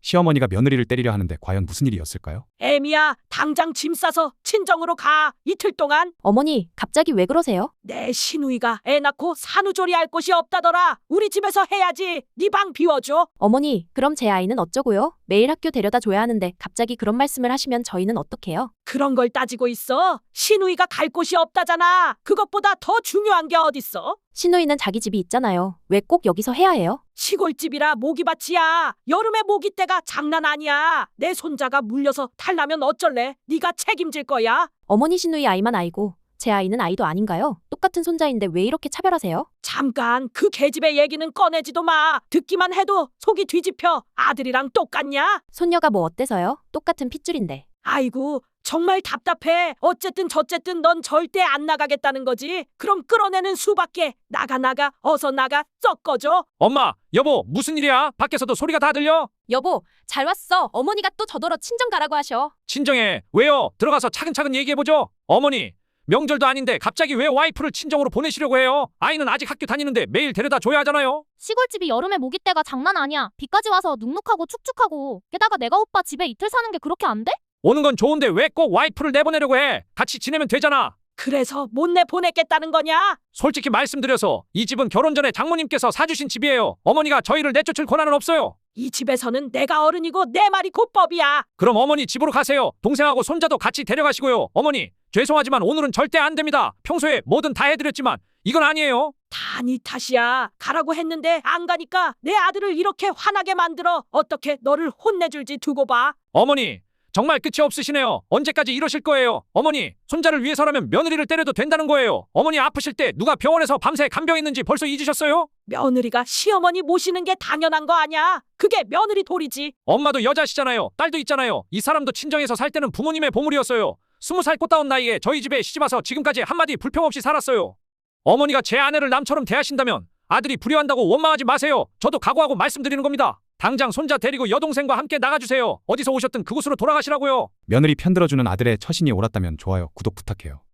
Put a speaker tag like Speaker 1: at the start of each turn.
Speaker 1: 시어머니가 며느리를 때리려 하는데 과연 무슨 일이었을까요?
Speaker 2: 애미야, 당장 짐 싸서 친정으로 가. 이틀 동안.
Speaker 3: 어머니, 갑자기 왜 그러세요?
Speaker 2: 내 시누이가 애 낳고 산후조리 할 곳이 없다더라. 우리 집에서 해야지. 네 방 비워줘.
Speaker 3: 어머니, 그럼 제 아이는 어쩌고요? 매일 학교 데려다 줘야 하는데 갑자기 그런 말씀을 하시면 저희는 어떡해요?
Speaker 2: 그런 걸 따지고 있어? 시누이가 갈 곳이 없다잖아. 그것보다 더 중요한 게 어딨어?
Speaker 3: 시누이는 자기 집이 있잖아요. 왜 꼭 여기서 해야 해요?
Speaker 2: 시골집이라 모기밭이야. 여름에 모기때가 장난 아니야. 내 손자가 물려서 탈나면 어쩔래? 네가 책임질 거야.
Speaker 3: 어머니 시누이 아이만 아이고 제 아이는 아이도 아닌가요? 똑같은 손자인데 왜 이렇게 차별하세요?
Speaker 2: 잠깐 그 계집애 얘기는 꺼내지도 마. 듣기만 해도 속이 뒤집혀. 아들이랑 똑같냐?
Speaker 3: 손녀가 뭐 어때서요? 똑같은 핏줄인데.
Speaker 2: 아이고 정말 답답해. 어쨌든 저쨌든 넌 절대 안 나가겠다는 거지. 그럼 끌어내는 수밖에. 나가 어서 나가. 썩 꺼져.
Speaker 4: 엄마, 여보, 무슨 일이야? 밖에서도 소리가 다 들려?
Speaker 3: 여보, 잘 왔어. 어머니가 또 저더러 친정 가라고 하셔.
Speaker 4: 친정에 왜요? 들어가서 차근차근 얘기해보죠. 어머니, 명절도 아닌데 갑자기 왜 와이프를 친정으로 보내시려고 해요? 아이는 아직 학교 다니는데 매일 데려다 줘야 하잖아요.
Speaker 5: 시골집이 여름에 모기때가 장난 아니야. 비까지 와서 눅눅하고 축축하고. 게다가 내가 오빠 집에 이틀 사는 게 그렇게 안 돼?
Speaker 4: 오는 건 좋은데 왜 꼭 와이프를 내보내려고 해? 같이 지내면 되잖아.
Speaker 2: 그래서 못 내보냈겠다는 거냐?
Speaker 4: 솔직히 말씀드려서 이 집은 결혼 전에 장모님께서 사주신 집이에요. 어머니가 저희를 내쫓을 권한은 없어요.
Speaker 2: 이 집에서는 내가 어른이고 내 말이 곧법이야.
Speaker 4: 그럼 어머니 집으로 가세요. 동생하고 손자도 같이 데려가시고요. 어머니, 죄송하지만 오늘은 절대 안 됩니다. 평소에 뭐든 다 해드렸지만 이건 아니에요.
Speaker 2: 다 네 탓이야. 가라고 했는데 안 가니까 내 아들을 이렇게 화나게 만들어. 어떻게 너를 혼내줄지 두고 봐.
Speaker 4: 어머니, 정말 끝이 없으시네요. 언제까지 이러실 거예요? 어머니, 손자를 위해서라면 며느리를 때려도 된다는 거예요. 어머니 아프실 때 누가 병원에서 밤새 간병했는지 벌써 잊으셨어요?
Speaker 2: 며느리가 시어머니 모시는 게 당연한 거 아냐? 그게 며느리 도리지.
Speaker 4: 엄마도 여자시잖아요. 딸도 있잖아요. 이 사람도 친정에서 살 때는 부모님의 보물이었어요. 20살 꽃다운 나이에 저희 집에 시집와서 지금까지 한마디 불평 없이 살았어요. 어머니가 제 아내를 남처럼 대하신다면 아들이 불효한다고 원망하지 마세요. 저도 각오하고 말씀드리는 겁니다. 당장 손자 데리고 여동생과 함께 나가주세요. 어디서 오셨든 그곳으로 돌아가시라고요.
Speaker 1: 며느리 편들어주는 아들의 처신이 옳았다면 좋아요, 구독 부탁해요.